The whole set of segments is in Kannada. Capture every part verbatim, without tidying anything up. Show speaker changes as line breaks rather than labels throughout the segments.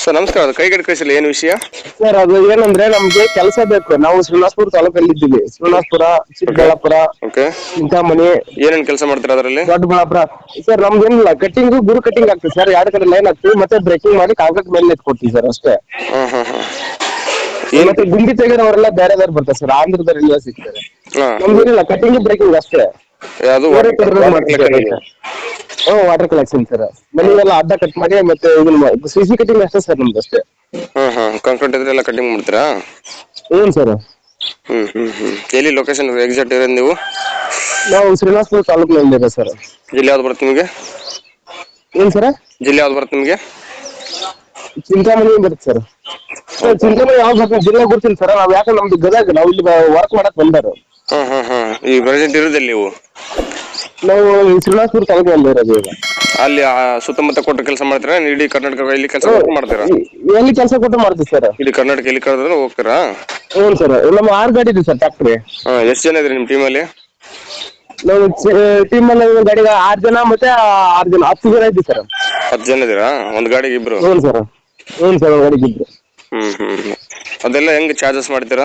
ಸರ್ ನಮಸ್ಕಾರ. ಅದು ಕೈಗಡೆ ಕಳಿಸಿಲ್ಲ, ಏನು ವಿಷಯ
ಸರ್? ಅದು ಏನಂದ್ರೆ ನಮ್ಗೆ ಕೆಲಸ ಬೇಕು. ನಾವು ಶ್ರೀನಿವಾಸಪುರ ತಾಲೂಕಲ್ಲಿ ಇದ್ದೀವಿ. ಶ್ರೀನಿವಾಸಪುರ, ಚಿಕ್ಕಬಳ್ಳಾಪುರ,
ಓಕೆ.
ಚಿಂತಾಮಣಿ,
ಏನೇನು ಕೆಲಸ ಮಾಡ್ತೀರಾ ಅದರಲ್ಲಿ?
ದೊಡ್ಡಬಳ್ಳಾಪುರ. ಸರ್ ನಮ್ದು ಏನಿಲ್ಲ, ಕಟ್ಟಿಂಗ್ ಗುರು ಕಟ್ಟಿಂಗ್ ಆಗ್ತದೆ ಸರ್. ಎರಡು ಕಡೆ ಲೈನ್ ಹಾಕ್ತಿವಿ, ಮತ್ತೆ ಬ್ರೇಕಿಂಗ್ ಮಾಡಿ ಕಾಂಕ್ರೀಟ್ ಮೇಲೆ ಎತ್ಕೊಡ್ತೀವಿ ಸರ್, ಅಷ್ಟೇ.
ಹಾಂ ಹಾಂ ಹಾಂ
ಮತ್ತೆ ಗುಂಡಿ ತೆಗೆದವರೆಲ್ಲ ಬೇರೆ ಬೇರೆ ಬರ್ತಾರೆ ಸರ್, ಆಂಧ್ರದವರೆಲ್ಲ ಸಿಗ್ತಾರೆ.
ಹಾಂ
ನಮ್ದೇನಿಲ್ಲ, ಕಟ್ಟಿಂಗ್ ಬ್ರೇಕಿಂಗ್ ಅಷ್ಟೇ.
ಅದು
ಬೇರೆ ಕಡೆ ಮಾಡ್ತೀವಿ. Hmm, water collection sir. ಮನೆಯೆಲ್ಲ ಅಡ್ಡ ಕಟ್ ಮಾಡಿ ಮತ್ತೆ ಇದನ್ನ ಸಿ ಸಿ ಕಟ್ಟಿಂಗ್ ಅಷ್ಟೇ ಸರ್ ನಮ್ದು, ಅಷ್ಟೇ.
ಹಾಂ ಹಾಂ ಕಾಂಕ್ರೀಟ್ ಇದ್ರೆ ಎಲ್ಲ ಕಟಿಂಗ್ ಮಾಡ್ತೀರಾ?
ಏನ್ ಸರ್?
ಹ್ಮ್ ಹ್ಮ್ ಹ್ಮ್ ಎಲ್ಲಿ ಲೊಕೇಶನ್ ಎಕ್ಸಾಕ್ಟ್ ಇರೋದು ನೀವು?
ನಾವು ಶ್ರೀನಿವಾಸಪುರ ತಾಲೂಕಿನಲ್ಲಿ ಇದೆ ಸರ್.
ಜಿಲ್ಲೆ ಯಾವ್ದು ಬರುತ್ತೆ ನಿಮಗೆ?
ಏನ್ ಸರ್?
ಜಿಲ್ಲೆ ಯಾವ್ದು ಬರುತ್ತೆ ನಿಮಗೆ?
ಚಿಂತಾಮಣಿ ಬರುತ್ತೆ ಸರ್. ಸರ್ ಚಿಂತಾಮಣಿ ಯಾವ್ದು ಬರ್ತದೆ ಜಿಲ್ಲೆ ಗೊತ್ತಿಲ್ಲ ಸರ್. ನಾವ್ ಯಾಕೆ ನಮ್ದು ಗದಗ, ನಾವು ಇಲ್ಲಿ ವರ್ಕ್ ಮಾಡಕ್ ಬಂದಾರು.
ಹಾಂ ಹಾಂ ಹಾಂ ಈ ಪ್ರೆಸೆಂಟ್ ಇರೋದಲ್ಲಿ ನೀವು?
ನಾವು ಶ್ರೀನಿವಾಸಪುರ ತಾಲೂಕಿನಲ್ಲಿ ಇರೋದು ಈಗ.
ಅಲ್ಲಿ ಆ ಸುತ್ತಮುತ್ತ ಕೊಟ್ಟು ಕೆಲಸ ಮಾಡ್ತೀರಾ? ಇಡೀ ಕರ್ನಾಟಕ ಇಲ್ಲಿ ಕೆಲಸ ಮಾಡ್ತೀರಾ?
ಎಲ್ಲಿ ಕೆಲಸ ಕೊಟ್ಟು ಮಾಡ್ತೀವಿ ಸರ್.
ಇಡೀ ಕರ್ನಾಟಕ ಎಲ್ಲಿ ಕರೆದ್ರೆ ಹೋಗ್ತೀರಾ?
ಹ್ಞೂ ಸರ್. ನಮ್ಮ ಆರು ಗಾಡಿ ಇದೆ ಸರ್, ಟ್ಯಾಕ್ಟ್ರಿ.
ಹಾಂ ಎಷ್ಟು ಜನ ಇದ್ರಿ ನಿಮ್ಮ ಟೀಮಲ್ಲಿ?
ನಾವು ಟೀಮ್ ಅಲ್ಲಿ ಗಾಡಿಗೆ ಆರು ಜನ, ಮತ್ತೆ ಆರು ಜನ ಹತ್ತು ಜನ ಇದ್ದೀವಿ ಸರ್.
ಹತ್ತು ಜನ ಇದ್ದೀರಾ ಒಂದು ಗಾಡಿಗೆ ಇಬ್ರು?
ಹ್ಞೂ ಸರ್. ಹ್ಞೂ ಸರ್, ಒಂದು ಗಾಡಿಗೆ ಇಬ್ರು.
ಹ್ಮ್ ಹ್ಮ್ ಅದೆಲ್ಲ ಹೆಂಗ್ ಚಾರ್ಜಸ್ ಮಾಡ್ತೀರಾ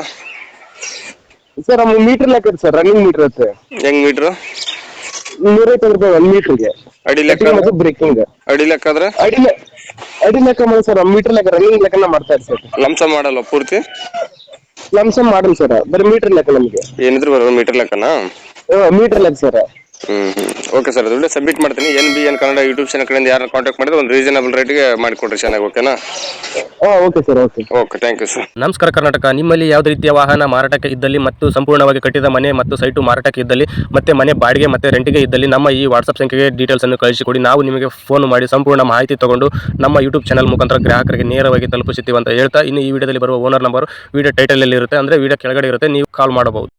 ಸರ್? ನಮ್ಗೆ ಮೀಟರ್ ಲೆಕ್ಕ ಇದೆ ಸರ್, ರನ್ನಿಂಗ್ ಮೀಟರ್ ಇರುತ್ತೆ.
ಹೆಂಗ್ ಮೀಟ್ರು?
ನೂರೈವತ್ತು ರೂಪಾಯಿ ಒಂದು ಮೀಟರ್ಗೆ.
ಅಡಿ ಲೆಕ್ಕ?
ಮತ್ತು ಬ್ರೇಕಿಂಗ್
ಅಡಿ ಲೆಕ್ಕ ಆದ್ರೆ?
ಅಡಿ ಅಡಿ ಲೆಕ್ಕ ಮಾಡಿ ಸರ್, ಮೀಟರ್ ಲೆಕ್ಕ, ರನ್ನಿಂಗ್ ಲೆಕ್ಕನ ಮಾಡ್ತಾ ಇರ್ತಾರೆ ಸರ್.
ಲಂಸ ಮಾಡಲ್ಲ ಪೂರ್ತಿ?
ಲಂಸಮ್ ಮಾಡಲ್ಲ ಸರ್, ಬರೀ ಮೀಟರ್ ಲೆಕ್ಕ ನಮಗೆ.
ಏನಿದ್ರು ಬರೋದು ಮೀಟರ್ ಲೆಕ್ಕನಾ?
ಮೀಟರ್ ಲೆಕ್ಕ sir.
Hmm hmm okay sir. ಅದು ಸಬ್ಮಿಟ್ ಮಾಡ್ತೀನಿ. N B N Kannada YouTube channel ಕಡೆಯಿಂದ ಯಾರು ಕಾಂಟ್ಯಾಕ್ಟ್ ಮಾಡಿದ್ರೆ ಒಂದು ರೀಸನಬಲ್ ರೇಟ್ಗೆ ಮಾಡಿಕೊಡ್ರಿ, ಚೆನ್ನಾಗಿ. ಓಕೆನಾ?
Okay sir. Okay
okay, thank you sir.
ನಮಸ್ಕಾರ ಕರ್ನಾಟಕ. ನಿಮ್ಮಲ್ಲಿ ಯಾವುದೇ ರೀತಿಯ ವಾಹನ ಮಾರಾಟಕ್ಕೆ ಇದ್ದಲ್ಲಿ ಮತ್ತು ಸಂಪೂರ್ಣವಾಗಿ ಕಟ್ಟಿದ ಮನೆ ಮತ್ತು ಸೈಟು ಮಾರಾಟಕ್ಕೆ ಇದ್ದಲ್ಲಿ ಮತ್ತೆ ಮನೆ ಬಾಡಿಗೆ ಮತ್ತು ರೆಂಟಿಗೆ ಇದ್ದಲ್ಲಿ ನಮ್ಮ ಈ ವಾಟ್ಸಪ್ ಸಂಖ್ಯೆಗೆ ಡೀಟೇಲ್ಸ್ ಅನ್ನು ಕಳಿಸಿಕೊಡಿ. ನಾವು ನಿಮಗೆ ಫೋನ್ ಮಾಡಿ ಸಂಪೂರ್ಣ ಮಾಹಿತಿ ತಗೊಂಡು ನಮ್ಮ ಯೂಟ್ಯೂಬ್ ಚಾನಲ್ ಮುಖಾಂತರ ಗ್ರಾಹಕರಿಗೆ ನೇರವಾಗಿ ತಲುಪಿಸುತ್ತೀವಿ ಅಂತ ಹೇಳ್ತಾ, ಇನ್ನು ಈ ವಿಡಿಯೋದಲ್ಲಿ ಬರುವ ಓನರ್ ನಂಬರ್ ವಿಡಿಯೋ ಟೈಟಲ್ ಅಲ್ಲಿ ಇರುತ್ತೆ, ಅಂದರೆ ವಿಡಿಯೋ ಕೆಳಗಡೆ ಇರುತ್ತೆ, ನೀವು ಕಾಲ್ ಮಾಡಬಹುದು.